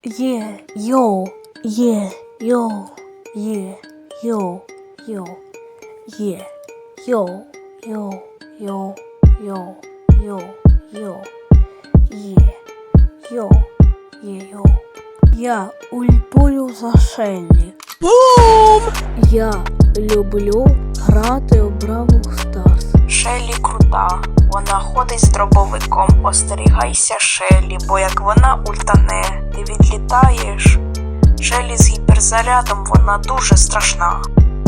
Йоу, йоу, йоу, йоу, йоу. Я ультую за Шеллі. Бум! Я люблю грати у Бравл Старс. Шеллі крута. Вона ходить з дробовиком. Остерігайся Шеллі, бо як вона ультане, ти відлітаєш. Шеллі з гіперзарядом, вона дуже страшна.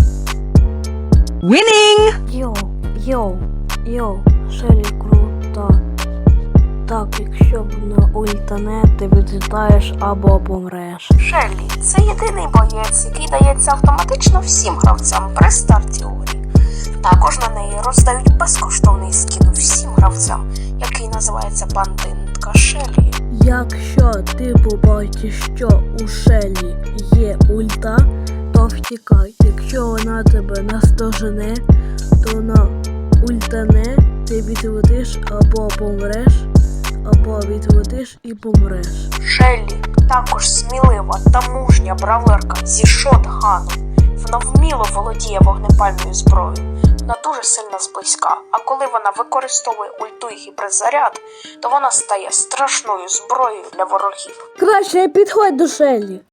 Winning! Йоу, Шеллі крута. Так, якщо вона ультане, ти відлітаєш або помреш. Шеллі – це єдиний боєць, який дається автоматично всім гравцям при старті у грі. Також на неї роздають безкоштовний скін всім гравцям, який називається бандитка Шеллі. Якщо ти побачиш, що у Шеллі є ульта, то втікай. Якщо вона тебе наздожене, то вона ультане, ти відлетиш або помреш, або відлетиш і помреш. Шеллі також смілива та мужня бравлерка зі шотганом. Вона вміло володіє вогнепальною зброєю. Вона дуже сильно зблизька, а коли вона використовує ульту і гіперзаряд, то вона стає страшною зброєю для ворогів. Краще підходь до Шеллі.